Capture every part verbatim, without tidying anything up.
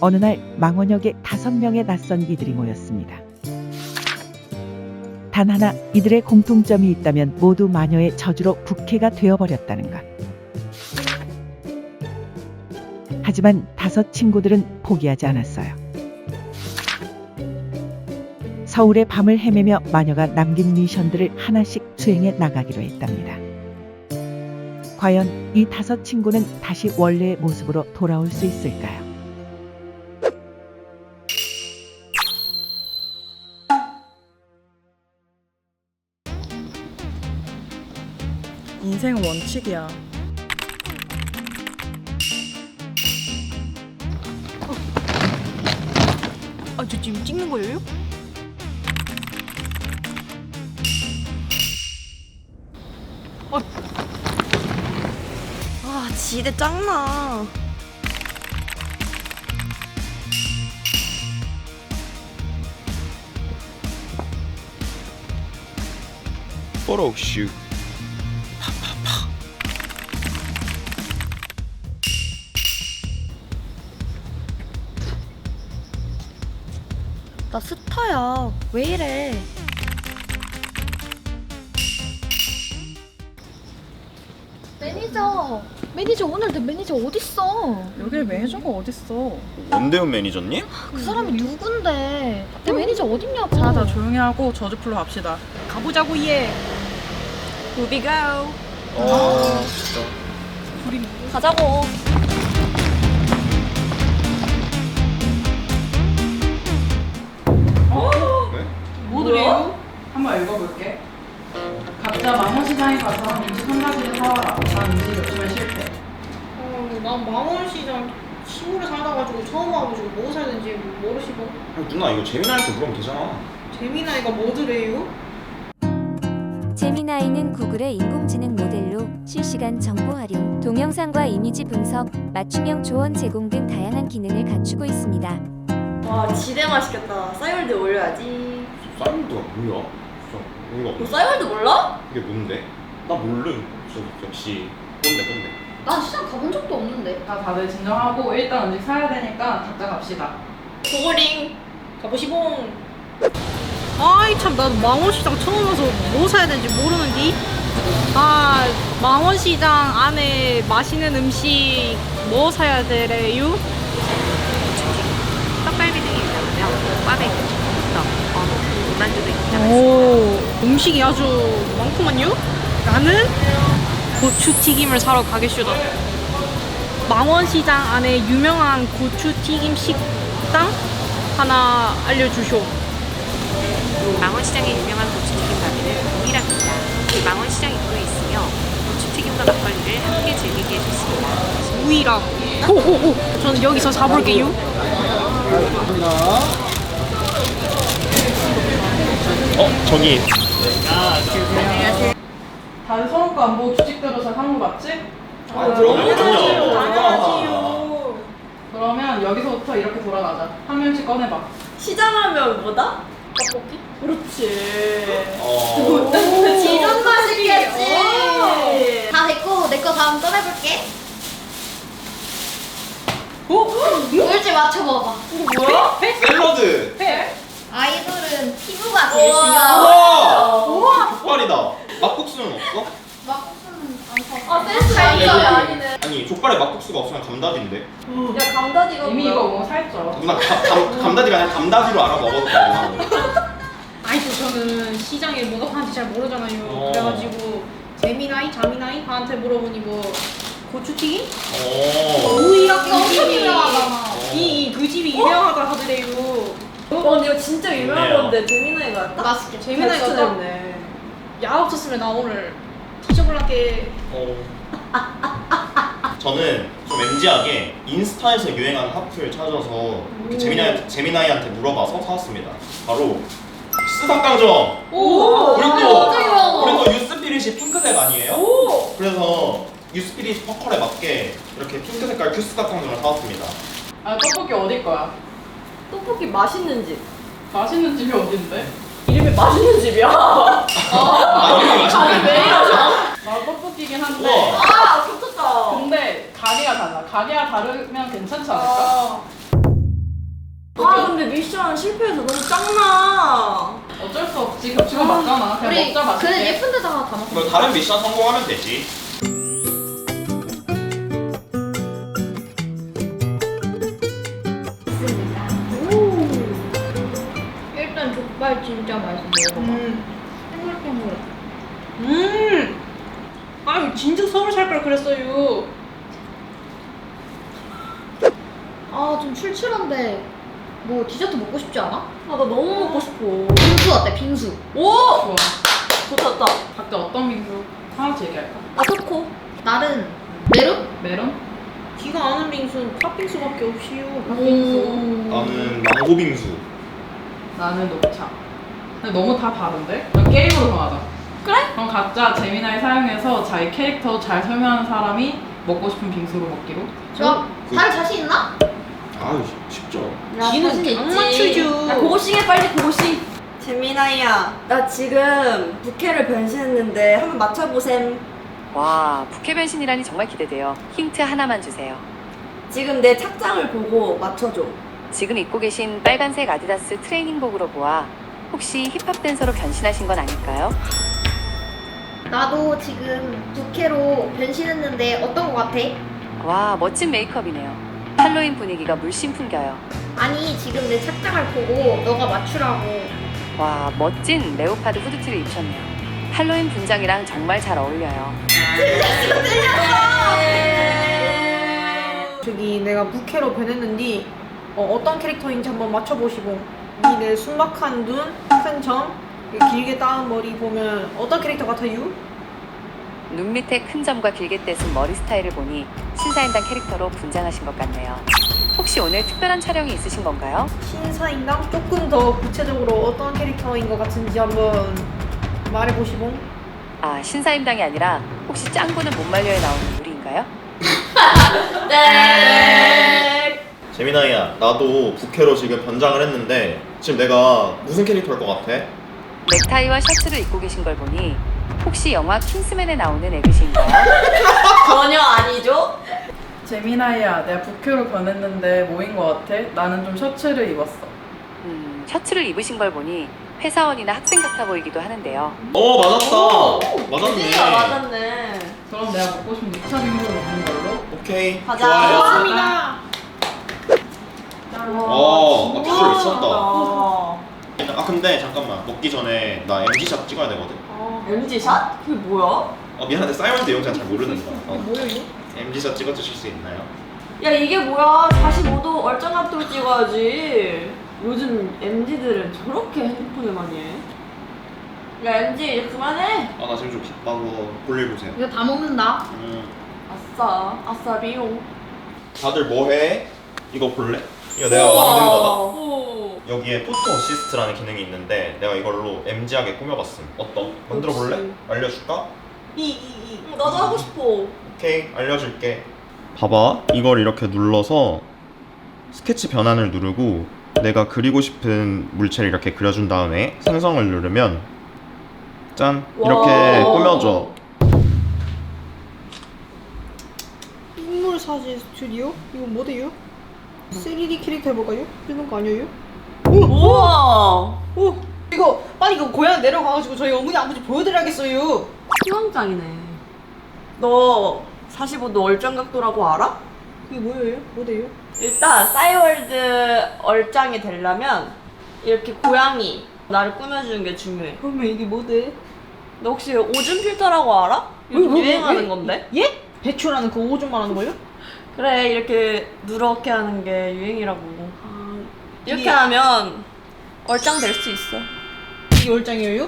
어느 날 망원역에 다섯 명의 낯선 이들이 모였습니다. 단 하나 이들의 공통점이 있다면 모두 마녀의 저주로 부캐가 되어버렸다는 것. 하지만 다섯 친구들은 포기하지 않았어요. 서울의 밤을 헤매며 마녀가 남긴 미션들을 하나씩 수행해 나가기로 했답니다. 과연 이 다섯 친구는 다시 원래의 모습으로 돌아올 수 있을까요? 인생은 원칙이야. 아, 저 지금 찍는 거예요? 어. 아, 지대 짱나. Photo shoot. 나 스타야. 왜 이래? 매니저, 매니저 오늘 내 매니저 어딨어? 여기 매니저가 어딨어? 원대훈 매니저님? 그 사람이 누군데? 내 매니저 어딨냐고. 자, 다 조용히 하고 저주풀로 갑시다. 가보자고 얘. 우비 고. 아 진짜. 가자고. 네? 뭐들이요? 한번 읽어볼게. 각자 망원시장에 가서 음식 한 가지를 사와라. 난 음식 요즘에 실패. 어, 난 망원시장 시골에 살아가지고 처음 와가지고 뭐 사야 되는지 모르시고. 야, 누나 이거 재민아한테 물으면 되잖아. 재미나이가 뭐더래요? 제미나이는 구글의 인공지능 모델로 실시간 정보 활용, 동영상과 이미지 분석, 맞춤형 조언 제공 등 다양한 기능을 갖추고 있습니다. 와 지대 맛있겠다. 싸이월드 올려야지. 싸이월드가 뭐야? 진짜 어이가 너 없네. 싸이월드 몰라? 이게 뭔데? 나 모르. 저 역시 꼰대 꼰대. 난 시장 가본 적도 없는데. 자, 다들 진정하고 일단 음식 사야 되니까 각자 갑시다. 고고링 가보시봉. 아이 참, 나도 망원시장 처음 와서 뭐 사야 되는지 모르는디. 아, 망원시장 안에 맛있는 음식 뭐 사야 되래요? 떡갈비 등이 있다면 꽈배기, 떡, 어묵, 군만두도 있다고 오, 음식이 아주 많구만요. 나는 고추튀김을 사러 가겠슈다. 망원시장 안에 유명한 고추튀김 식당 하나 알려주쇼. 망원시장의 유명한 고추튀김 가게는 동일합니다. 망원시장 입구에 있으며 고추튀김과 막걸리를 함께 즐기기에 좋습니다. 우이랑 오오오, 저는 여기서 사볼게요. 어 저기. 다들 서로거 안 보고 규칙대로 잘 한 거 맞지? 아 그럼 당연하지요. 그러면 여기서부터 이렇게 돌아가자. 한 명씩 꺼내봐. 시장하면 뭐다? 떡볶이? 그렇지. 어. 지금 맛있겠지. 다 됐고 내 거 다음 꺼내볼게. 뭘지 맞춰봐봐. 뭐야? 샐러드. 아이돌은 피부가 제일 우와. 중요하고. 우와. 족발이다. 막국수는 없어? 막국수는 안 사. 아 센스 아니네. 아니네. 아니 족발에 막국수가 없으면 감다디인데. 야 감다디가 이미 뭐야? 이거 뭐 살쪄. 누나 감, 감, 감다디가 아니라 감다디로 알아 먹어도 돼. 아니 또 저는 시장에 뭐가 파는지 잘 모르잖아요. 어. 그래가지고 재미나이, 자미나이한테 물어보니 뭐 고추튀김? 어. 우이랑 그 엄청 집이 유명하잖아. 이 그 집이 유명하다 하더래요. 어 근데 이거 진짜 유명한 좋네요. 건데 재미나이가 딱 맛있게. 재미나이가 딱 추천했네. 야 없었으면 나 오늘 뒤져볼란게. 어. 저는 좀 엠지하게 인스타에서 유행하는 하프를 찾아서 이렇게 재미나이, 재미나이한테 물어봐서 사왔습니다. 바로 수석강정! 오! 우리 완전 또 유명한 거. 우리 또 유스피릿이 핑크색 아니에요? 오! 그래서 유스피릿 퍼컬에 맞게 이렇게 핑크 색깔 큐스닥강정을 사왔습니다. 아, 떡볶이 어디 거야? 떡볶이 맛있는 집. 맛있는 집이 어딘데? 이름이 맛있는 집이야. 아 이름이 맛있네. 왜 이러죠? 나 떡볶이긴 한데. 우와. 아 좋겠다. 근데 가게가 달라. 가게가 다르면 괜찮지 않을까? 아. 아 근데 미션 실패해서 너무 짱나. 어쩔 수 없지. 겹치고 맞잖아. 그냥 우리 먹자 맛있게. 그냥 예쁜 데다가 다 먹자. 뭐 다른 미션 성공하면 되지. 일단 족발 진짜 맛있어. 먹어봐. 음. 탱글탱글. 음. 아유 진짜 서울 살 걸 그랬어요. 아 좀 출출한데 뭐 디저트 먹고 싶지 않아? 아 나 너무 먹고 싶어. 빙수 어때? 빙수. 오! 좋아. 좋다 좋다. 각자 어떤 빙수 하나씩 얘기할까? 아 초코. 나는 메론? 메론? 기가 아는 빙수는 팥빙수밖에 없이요. 팥빙수. 나는 망고 빙수. 나는 녹차. 근데 너무 다 다른데? 그럼 게임으로 정하자. 그래? 그럼 각자 재미나이 사용해서 자기 캐릭터 잘 설명하는 사람이 먹고 싶은 빙수로 먹기로. 좋아. 그- 다들 자신 있나? 아유 쉽죠. 야, 지는 자신 강 있지. 맞추죠. 야 고고싱해 빨리 고고싱. 재민아야, 나 지금 부캐를 변신했는데 한번 맞춰보셈. 와, 부캐 변신이라니 정말 기대돼요. 힌트 하나만 주세요. 지금 내 착장을 보고 맞춰줘. 지금 입고 계신 빨간색 아디다스 트레이닝복으로 보아 혹시 힙합 댄서로 변신하신 건 아닐까요? 나도 지금 부캐로 변신했는데 어떤 거 같아? 와, 멋진 메이크업이네요. 할로윈 분위기가 물씬 풍겨요. 아니 지금 내 착장을 보고 너가 맞추라고. 와, 멋진 레오파드 후드티를 입으셨네요. 할로윈 분장이랑 정말 잘 어울려요. 저기 내가 부캐로 변했는데 어, 어떤 캐릭터인지 한번 맞춰보시고 이 내 순박한 눈, 큰 점, 길게 따은 머리 보면 어떤 캐릭터 같아요? 눈 밑에 큰 점과 길게 떼순 머리 스타일을 보니 신사임당 캐릭터로 분장하신 것 같네요. 혹시 오늘 특별한 촬영이 있으신 건가요? 신사임당 조금 더 구체적으로 어떤 캐릭터인 것 같은지 한번 말해보시고. 아, 신사임당이 아니라 혹시 짱구는 못 말려에 나오는 우리인가요? 네. 재민아야, 나도 부캐로 지금 변장을 했는데 지금 내가 무슨 캐릭터 할 것 같아? 넥타이와 셔츠를 입고 계신 걸 보니 혹시 영화 킹스맨에 나오는 애기신가요? 전혀 아니죠? 재미나이야, 내가 부캐로 변했는데 뭐인 것 같아? 나는 좀 셔츠를 입었어. 음, 셔츠를 입으신 걸 보니 회사원이나 학생 같아 보이기도 하는데요. 어 맞았다. 맞았네. 진짜 맞았네. 그럼 내가 먹고 싶은 녹차 빙수를 먹는 걸로. 오케이. 가자. 좋아요. 감사합니다. 어, 나 비주얼 미쳤다. 아, 아 근데 잠깐만, 먹기 전에 나 엠지샷 찍어야 되거든. 엠지샷? 그게 뭐야? 어 미안한데 싸이월드 영상 잘 모르는 거야. 어. 뭐야 이거? 엠지샷 찍어주실 수 있나요? 야 이게 뭐야? 사십오 도 얼짱각도를 찍어야지. 요즘 엠지들은 저렇게 핸드폰을 많이 해. 야 엠지 이제 그만해. 아 나 지금 좀 바빠서 볼일 보세요. 이거 다 먹는다. 음. 아싸 아싸 비용. 다들 뭐해? 이거 볼래? 이거 내가 만든 거다. 오. 여기에 포토 어시스트라는 기능이 있는데 내가 이걸로 엠지하게 꾸며봤음. 어떤? 만들어 볼래? 알려줄까? 이이이. 나도 하고 싶어. 오케이, 알려줄게. 봐봐, 이걸 이렇게 눌러서 스케치 변환을 누르고 내가 그리고 싶은 물체를 이렇게 그려준 다음에 생성을 누르면 짠! 이렇게 와. 꾸며져. 인물 사진 스튜디오? 이거 뭐대요? 쓰리디 캐릭터 해볼까요? 이런 거 아니에요? 우와. 오! 이거 빨리 이거 고향 내려가가지고 저희 어머니 아버지 보여드려야겠어요. 희망장이네. 너 사십오 도 얼짱각도라고 알아? 이게 뭐예요? 뭐대요? 일단 싸이월드 얼짱이 되려면 이렇게 고양이 나를 꾸며주는 게 중요해. 그러면 이게 뭐대? 너 혹시 오줌 필터라고 알아? 요즘 뭐, 뭐, 유행하는 예? 건데? 예? 배추라는 그 오줌 말하는 거예요? 그래 이렇게 누렇게 하는 게 유행이라고. 아, 이렇게 이게- 하면 얼짱 될 수 있어. 이게 얼짱이에요?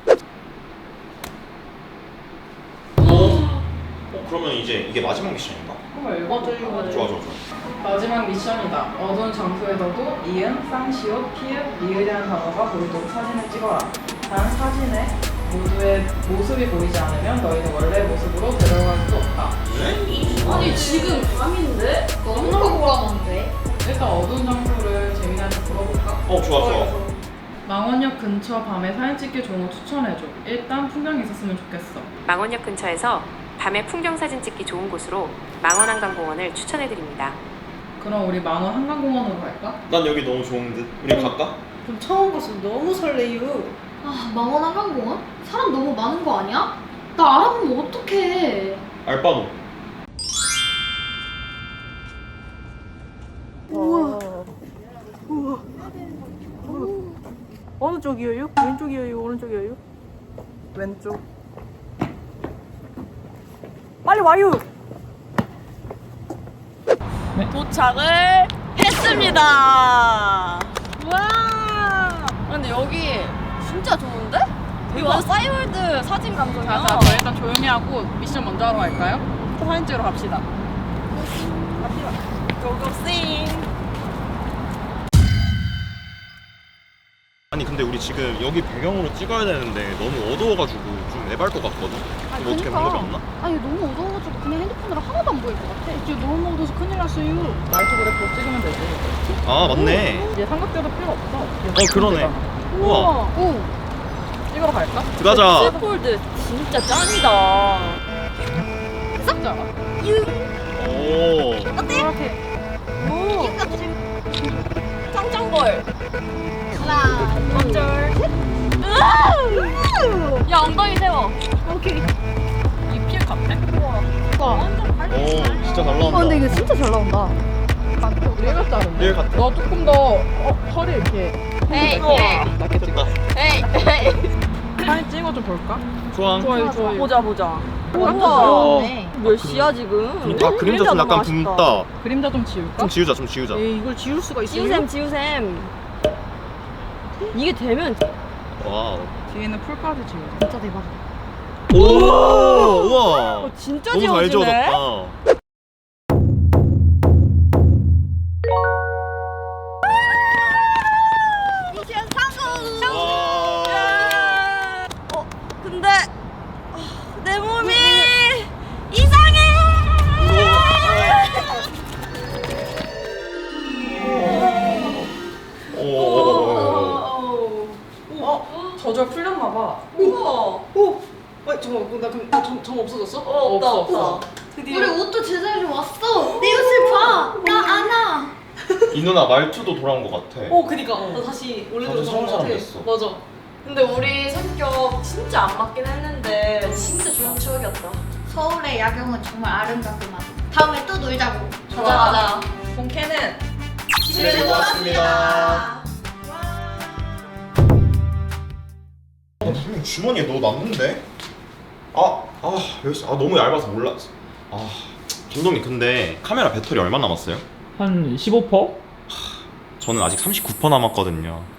어? 그러면 이제 이게 마지막 미션인가? 한번 읽어볼까? 좋아 좋아 좋아. 마지막 미션이다. 어두운 장소에서도 이응, 쌍시옷, 피읍, 리을이라는 단어가 보이도록 사진을 찍어라. 단 사진에 모두의 모습이 보이지 않으면 너희는 원래 모습으로 데려갈 수 없다. 아니 지금 밤인데? 너무 깜깜한데. 일단 어두운 장소를 재민이한테 물어볼까? 어 좋아 좋아. 망원역 근처 밤에 사진 찍기 좋은 곳 추천해줘. 일단 풍경이 있었으면 좋겠어. 망원역 근처에서 밤에 풍경 사진 찍기 좋은 곳으로 망원한강공원을 추천해드립니다. 그럼 우리 만원 한강공원으로 갈까? 난 여기 너무 좋은 듯. 우리 갈까? 그럼 처음 봤으면 너무 설레요. 아, 망원 한강공원? 사람 너무 많은 거 아니야? 나 알아보면 어떡해. 알바노. 어느 쪽이에요? 왼쪽이에요? 오른쪽이에요? 왼쪽. 빨리 와요. 도착을 했습니다. 와. 근데 여기 진짜 좋은데? 여기 완전 싸이월드 사진 감성이야. 자, 자, 저희 일단 조용히 하고 미션 먼저 하러 갈까요? 사진 찍으러 갑시다. 고고싱. 아니 근데 우리 지금 여기 배경으로 찍어야 되는데 너무 어두워가지고 좀 애발 것 같거든. 이거 어떻게 방법이 없나? 아니, 너무 어두워가지고 그냥 핸드폰으로 하나도 안 보일 것 같아. 이제 너무 어두워서 큰일 났어요. 나이트 그래프 찍으면 되지. 아 맞네. 이제 삼각대도 필요 없어. 어 그러네. 우와. 오, 찍으러 갈까? 들어가자. 폴드 진짜 짱이다. 진짜. 오. 오. 짱짱걸. 하나, 둘, 셋. 으아! 야 엉덩이 세워. 오케이. 이 피해 같아? 오 진짜 잘 나온다. 어, 근데 이거 진짜 잘 나온다. 리얼 같다는데? 리얼 같아. 너 조금 더 어, 허리 이렇게 에이, 낮게 찍어. 에이, 에이. 사진 찍어 좀 볼까? 좋아. 좋아요, 좋아요. 보자 보자. 우와. 우와. 네. 몇 시야 지금? 아 그림자 좀 약간 붓다. 그림자 좀 지울까? 좀 지우자 좀 지우자. 에이, 이걸 지울 수가 있어요? 지우샘 지우샘. 이게 되면 와우. 뒤에는 풀까지 지우자. 진짜 대박. 오 우와. 어, 진짜 너무 잘 지워지네. 지워졌다. 미션 성공. 와. 어 근데 아, 내 몸이 이상해. 오. 어? 저절 풀렸나 봐. 우와. 오. 아, 잠깐만. 나 그럼 점, 점 없어졌어? 어 없다 없어, 없다. 우리 옷도 제자리로 왔어. 내 옷을 봐. 나 안아. 이 누나 말투도 돌아온 것 같아. 어, 그니까. 나 다시 원래대로 다시 돌아온 것 서울 사람 같아. 됐어. 맞아. 근데 우리 성격 진짜 안 맞긴 했는데 진짜 좋은 추억이었다. 서울의 야경은 정말 아름답구만. 다음에 또 놀자고. 가자 가자. 본캐는 즐거웠습니다. 나 분명 주머니에 넣어놨는데? 아, 아, 여기, 아 너무 얇아서 몰랐어. 아, 감독님 근데 카메라 배터리 얼마 남았어요? 한 십오 퍼센트? 저는 아직 삼십구 퍼센트 남았거든요.